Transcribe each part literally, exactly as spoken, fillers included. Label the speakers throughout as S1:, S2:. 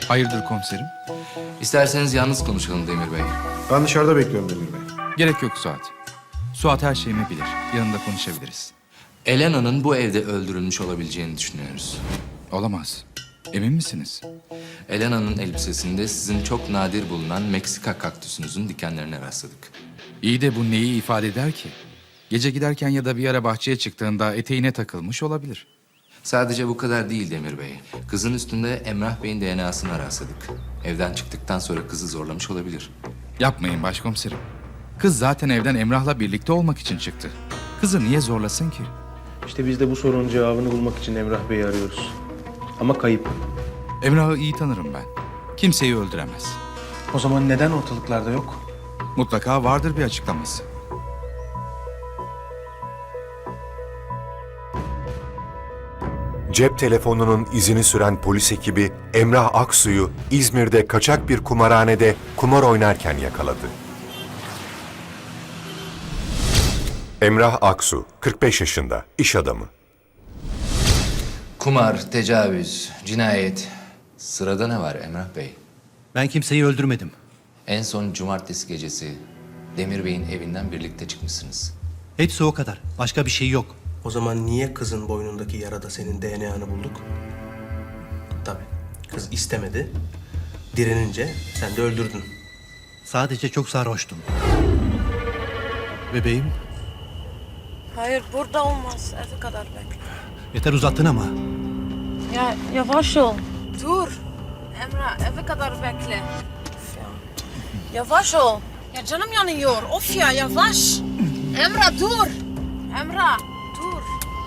S1: Hayırdır komiserim?
S2: İsterseniz yalnız konuşalım Demir Bey.
S3: Ben dışarıda bekliyorum Demir Bey.
S1: Gerek yok Suat. Suat her şeyimi bilir. Yanında konuşabiliriz.
S2: Elena'nın bu evde öldürülmüş olabileceğini düşünüyoruz.
S1: Olamaz. Emin misiniz?
S2: Elena'nın elbisesinde sizin çok nadir bulunan Meksika kaktüsünüzün dikenlerine rastladık.
S1: İyi de bu neyi ifade eder ki? Gece giderken ya da bir ara bahçeye çıktığında eteğine takılmış olabilir.
S2: Sadece bu kadar değil Demir Bey. Kızın üstünde Emrah Bey'in D N A'sını rastladık. Evden çıktıktan sonra kızı zorlamış olabilir.
S1: Yapmayın başkomiserim. Kız zaten evden Emrah'la birlikte olmak için çıktı. Kızı niye zorlasın ki?
S3: İşte biz de bu sorunun cevabını bulmak için Emrah Bey'i arıyoruz. Ama kayıp.
S1: Emrah'ı iyi tanırım ben. Kimseyi öldüremez.
S3: O zaman neden ortalıklarda yok?
S1: Mutlaka vardır bir açıklaması.
S4: Cep telefonunun izini süren polis ekibi Emrah Aksu'yu İzmir'de kaçak bir kumarhanede kumar oynarken yakaladı. Emrah Aksu, kırk beş yaşında, iş adamı.
S2: Kumar, tecavüz, cinayet. Sırada ne var Emrah Bey?
S5: Ben kimseyi öldürmedim.
S2: En son cumartesi gecesi Demir Bey'in evinden birlikte çıkmışsınız.
S5: Hepsi o kadar. Başka bir şey yok.
S6: O zaman niye kızın boynundaki yarada senin D N A'nı bulduk? Tabii. Kız istemedi. Direnince sen de öldürdün.
S5: Sadece çok sarhoştum. Bebeğim,
S7: Hayır burada olmaz. Eve kadar bekle.
S5: yeter uzattın ama.
S7: Ya yavaş ol. Dur. Emrah eve kadar bekle. Of ya. Yavaş ol. Ya canım yanıyor. Of ya yavaş. Emrah dur. Emrah dur.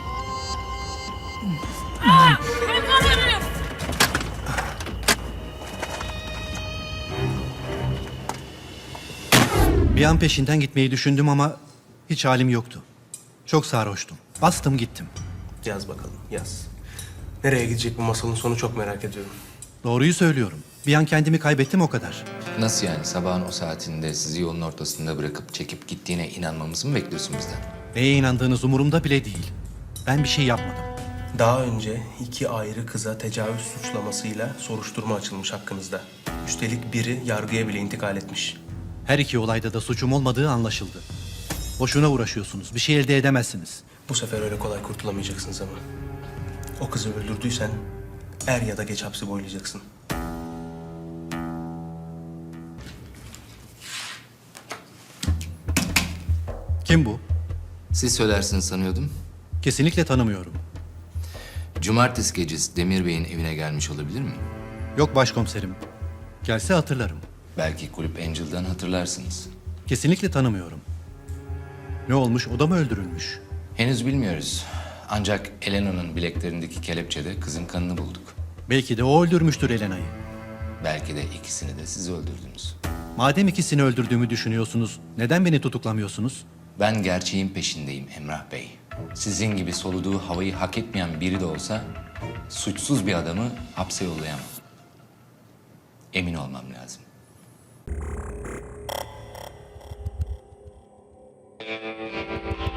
S7: Aa, hayvan herif.
S5: Bir an peşinden gitmeyi düşündüm ama hiç halim yoktu. Çok sarhoştum. Bastım gittim.
S6: Yaz bakalım, yaz. Nereye gidecek bu masalın sonu çok merak ediyorum.
S5: Doğruyu söylüyorum. Bir an kendimi kaybettim o kadar.
S2: Nasıl yani? Sabahın o saatinde sizi yolun ortasında bırakıp çekip gittiğine inanmamızı mı bekliyorsun bizden?
S5: Neye inandığınız umurumda bile değil. Ben bir şey yapmadım.
S6: Daha önce iki ayrı kıza tecavüz suçlamasıyla soruşturma açılmış hakkınızda. Üstelik biri yargıya bile intikal etmiş.
S5: Her iki olayda da suçum olmadığı anlaşıldı. Boşuna uğraşıyorsunuz. Bir şey elde edemezsiniz.
S6: Bu sefer öyle kolay kurtulamayacaksınız ama. O kızı öldürdüysen er ya da geç hapsi boylayacaksın.
S5: Kim bu?
S2: Siz söylersiniz sanıyordum.
S5: Kesinlikle tanımıyorum.
S2: Cumartesi gecesi Demir Bey'in evine gelmiş olabilir mi?
S5: Yok başkomiserim. Gelse hatırlarım.
S2: Belki Kulüp Angel'dan hatırlarsınız.
S5: Kesinlikle tanımıyorum. Ne olmuş? O da mı öldürülmüş?
S2: Henüz bilmiyoruz. Ancak Elena'nın bileklerindeki kelepçede kızın kanını bulduk.
S5: Belki de o öldürmüştür Elena'yı.
S2: Belki de ikisini de siz öldürdünüz.
S5: Madem ikisini öldürdüğümü düşünüyorsunuz, neden beni tutuklamıyorsunuz?
S2: Ben gerçeğin peşindeyim Emrah Bey. Sizin gibi soluduğu havayı hak etmeyen biri de olsa suçsuz bir adamı hapse yollayamam. Emin olmam lazım.